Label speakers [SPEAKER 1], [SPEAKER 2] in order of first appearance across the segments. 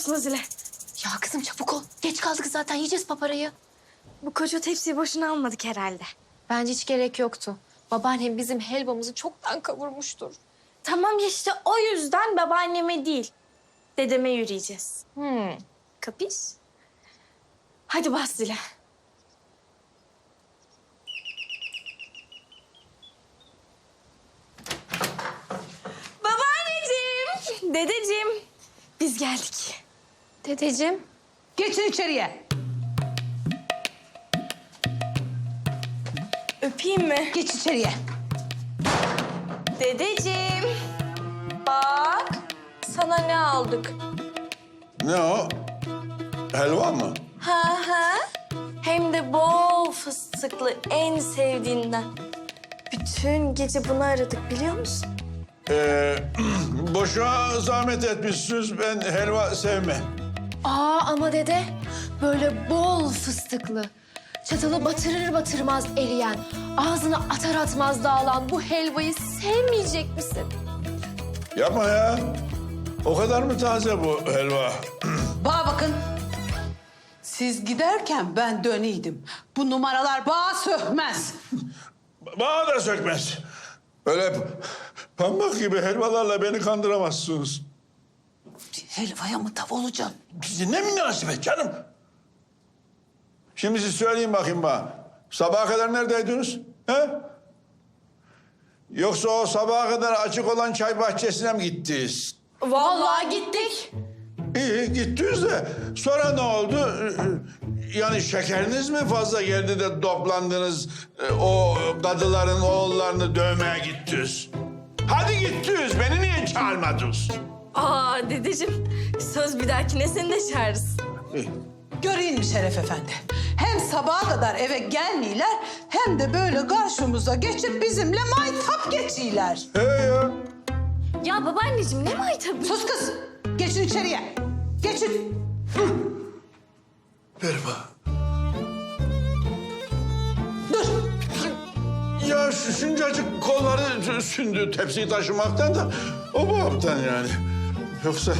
[SPEAKER 1] basma zile.
[SPEAKER 2] Ya kızım çabuk ol. Geç kaldık zaten yiyeceğiz paparayı.
[SPEAKER 1] Bu koca tepsiyi boşuna almadık herhalde.
[SPEAKER 2] Bence hiç gerek yoktu. Babaannem bizim helvamızı çoktan kavurmuştur.
[SPEAKER 1] Tamam ya işte o yüzden babaanneme değil, dedeme yürüyeceğiz. Kapış? Hadi bas zile. Babaanneciğim, dedeciğim, biz geldik.
[SPEAKER 2] Dedeciğim.
[SPEAKER 3] Geçin içeriye.
[SPEAKER 1] Öpeyim mi?
[SPEAKER 3] Geç içeriye.
[SPEAKER 1] Dedeciğim, bak sana ne aldık.
[SPEAKER 4] Ne o? Helva mı?
[SPEAKER 1] Ha. Hem de bol fıstıklı, en sevdiğinden. Bütün gece bunu aradık biliyor musun?
[SPEAKER 4] Boşuna zahmet etmişsiniz. Ben helva sevmem.
[SPEAKER 2] Ama dede böyle bol fıstıklı, çatalı batırır batırmaz eriyen, ağzına atar atmaz dağılan bu helvayı sevmeyecek misin?
[SPEAKER 4] Yapma ya. O kadar mı taze bu helva?
[SPEAKER 3] Bana bakın. Siz giderken ben döneydim. Bu numaralar bağa sökmez.
[SPEAKER 4] Bana da sökmez. Öyle pamuk gibi helvalarla beni kandıramazsınız.
[SPEAKER 3] Helvaya mı tav olacaksın?
[SPEAKER 4] Size ne münasebet canım? Şimdi siz söyleyin bakayım bana. Sabaha kadar neredeydiniz? He? Yoksa o sabaha kadar açık olan çay bahçesine mi gittiniz?
[SPEAKER 1] Vallahi gittik.
[SPEAKER 4] İyi gittiniz de sonra ne oldu? Yani şekeriniz mi fazla geldi de toplandınız o kadıların oğullarını dövmeye gittiniz? Hadi gittiniz beni niye çağırmadınız?
[SPEAKER 1] Dedeciğim, söz bir dahakine seni de çağırırız.
[SPEAKER 3] Göreyim mi Şeref Efendi? Hem sabaha kadar eve gelmiyorlar hem de böyle karşımıza geçip bizimle maytap geçiyorlar.
[SPEAKER 4] He ya.
[SPEAKER 1] Ya babaanneciğim ne maytabı?
[SPEAKER 3] Sus kız. Geçin içeriye. Geçin.
[SPEAKER 4] Ver bana.
[SPEAKER 3] Dur.
[SPEAKER 4] Ya şu şuncacık kolları sündü tepsiyi taşımaktan da o babamdan yani. Yoksa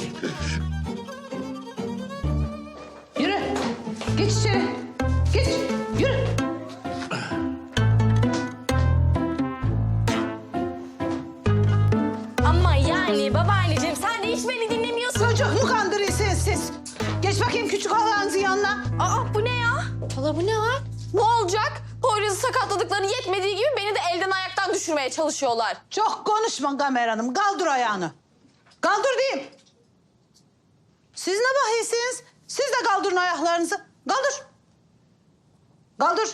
[SPEAKER 3] Yürü. Geç içeri. Geç. Yürü.
[SPEAKER 1] Ama yani babaanneciğim sen de hiç beni dinlemiyorsun.
[SPEAKER 3] Çocuk mu kandırıyorsunuz siz? Geç bakayım küçük halanızın yanına.
[SPEAKER 1] Bu ne ya?
[SPEAKER 2] Hala bu ne hal?
[SPEAKER 1] Ne olacak? Poyraz'ı sakatladıkları yetmediği gibi beni de elden ayaktan düşürmeye çalışıyorlar.
[SPEAKER 3] Çok konuşma Gamer Hanım. Kaldır ayağını. Kaldır diyeyim. Siz ne bakıyorsunuz? Siz de kaldırın ayaklarınızı. Kaldır. Kaldır.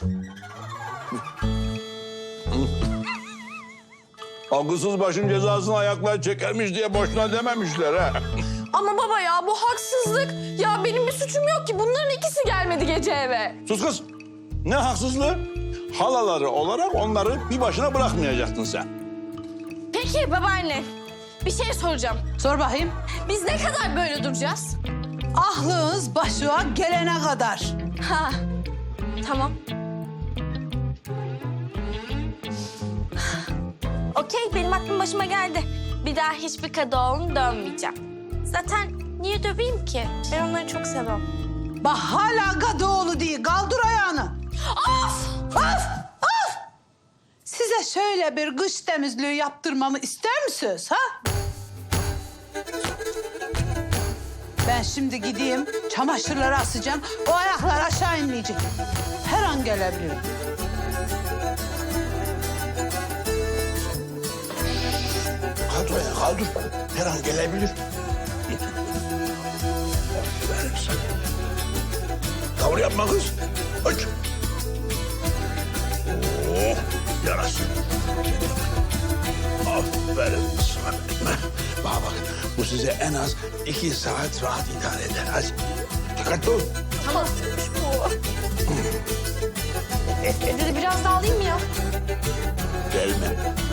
[SPEAKER 4] akılsız başın cezasını ayaklar çekermiş diye boşuna dememişler ha.
[SPEAKER 1] Ama baba ya bu haksızlık. Ya benim bir suçum yok ki. Bunların ikisi gelmedi gece eve.
[SPEAKER 4] Sus kız. Ne haksızlığı? Halaları olarak onları bir başına bırakmayacaktın sen.
[SPEAKER 1] Peki babaanne bir şey soracağım.
[SPEAKER 3] Sor bakayım.
[SPEAKER 1] Biz ne kadar böyle duracağız?
[SPEAKER 3] Aklınız başına gelene kadar.
[SPEAKER 1] Ha, tamam. Okey, benim aklım başıma geldi. Bir daha hiçbir kadıoğlunu dönmeyeceğim. Zaten niye döveyim ki? Ben onları çok seviyorum.
[SPEAKER 3] Bak hala Kadıoğlu değil. Kaldır ayağını.
[SPEAKER 1] Of!
[SPEAKER 3] Of! Of! Size şöyle bir kış temizliği yaptırmamı ister misiniz ha? Ben şimdi gideyim, çamaşırları asacağım. O ayaklar aşağı inmeyecek. Her an gelebilirim.
[SPEAKER 4] Kaldır ayağı kaldır. Her an gelebilir. Aferin sana. Tavır yapma kız. Aç. Oh, yarasın. Aferin sana. Bak bak, bu size en az 2 saat rahat idare eder. Hadi. Dikkatli ol.
[SPEAKER 1] Tamam, bu. Dedi biraz daha alayım mı ya?
[SPEAKER 4] Gelme.